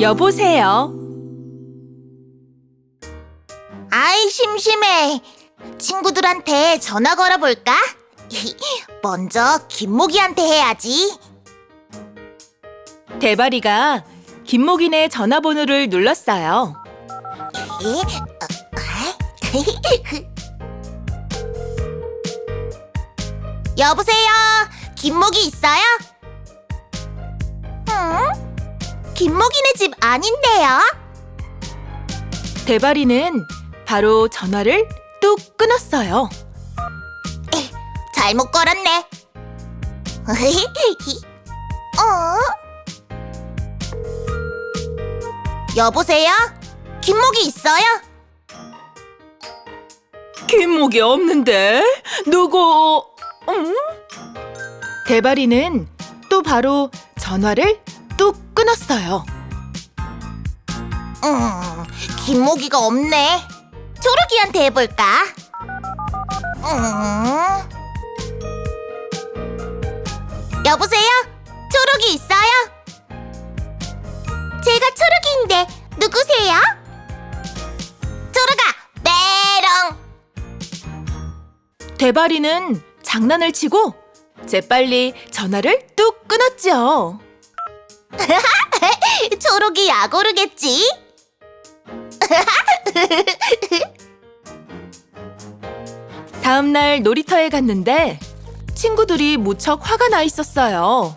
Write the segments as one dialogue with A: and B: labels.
A: 여보세요.
B: 아이, 심심해. 친구들한테 전화 걸어볼까? 먼저 김모기한테 해야지.
A: 대바리가 김목인의 전화번호를 눌렀어요.
B: 여보세요? 김모기 있어요? 응? 김모기네 집 아닌데요?
A: 대바리는 바로 전화를 뚝 끊었어요.
B: 잘못 걸었네. 여보세요? 김모기 있어요?
A: 김목이 없는데? 누구? 대바리는 또 바로 전화를 뚝 끊었어요.
B: 김모기가 없네. 초록이한테 해볼까? 여보세요? 초록이 있어요? 제가 초록이인데 누구세요? 초록아, 메롱!
A: 대바리는 장난을 치고 재빨리 전화를 뚝 끊었죠.
B: 초록이 약오르겠지?
A: 다음 날 놀이터에 갔는데 친구들이 무척 화가 나 있었어요.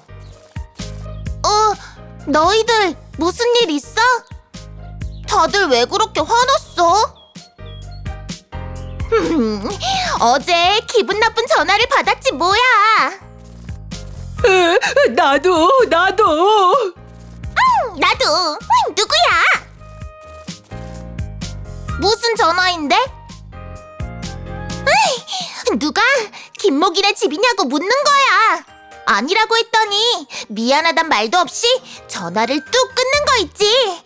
B: 너희들 무슨 일 있어? 다들 왜 그렇게 화났어? 어제 기분 나쁜 전화를 받았지 뭐야.
A: 나도.
B: 나도. 누구야? 무슨 전화인데? 누가 김목이네 집이냐고 묻는 거야. 아니라고 했더니 미안하단 말도 없이 전화를 뚝 끊는 거 있지.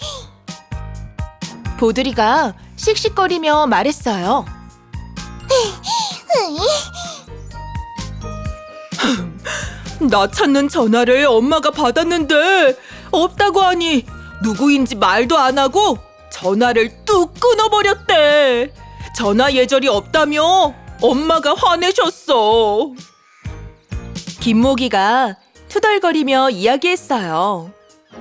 A: 보드리가 씩씩거리며 말했어요. 나 찾는 전화를 엄마가 받았는데 없다고 하니 누구인지 말도 안 하고 전화를 뚝 끊어버렸대. 전화 예절이 없다며 엄마가 화내셨어. 김모기가 투덜거리며 이야기했어요.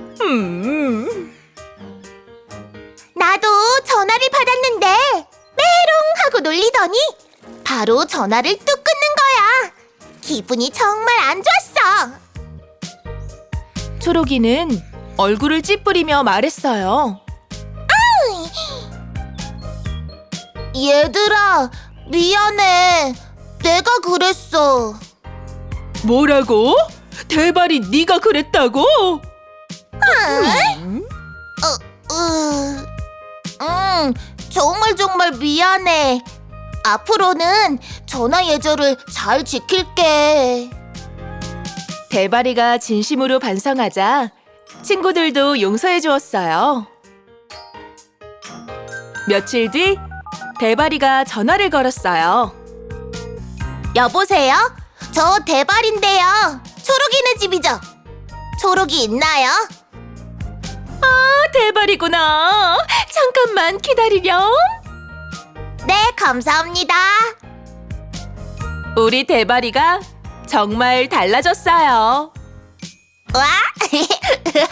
B: 나도 전화를 받았는데 메롱 하고 놀리더니 바로 전화를 뚝 끊는 거야. 기분이 정말 안 좋았어.
A: 초록이는 얼굴을 찌푸리며 말했어요.
B: 얘들아, 미안해. 내가 그랬어.
A: 뭐라고? 대바리 네가 그랬다고?
B: 정말 미안해. 앞으로는 전화 예절을 잘 지킬게.
A: 대바리가 진심으로 반성하자 친구들도 용서해 주었어요. 며칠 뒤 대바리가 전화를 걸었어요.
B: 여보세요? 저 대발인데요. 초록이네 집이죠? 초록이 있나요?
A: 대바리구나. 잠깐만 기다리렴.
B: 네, 감사합니다.
A: 우리 대바리가 정말 달라졌어요.
B: 와!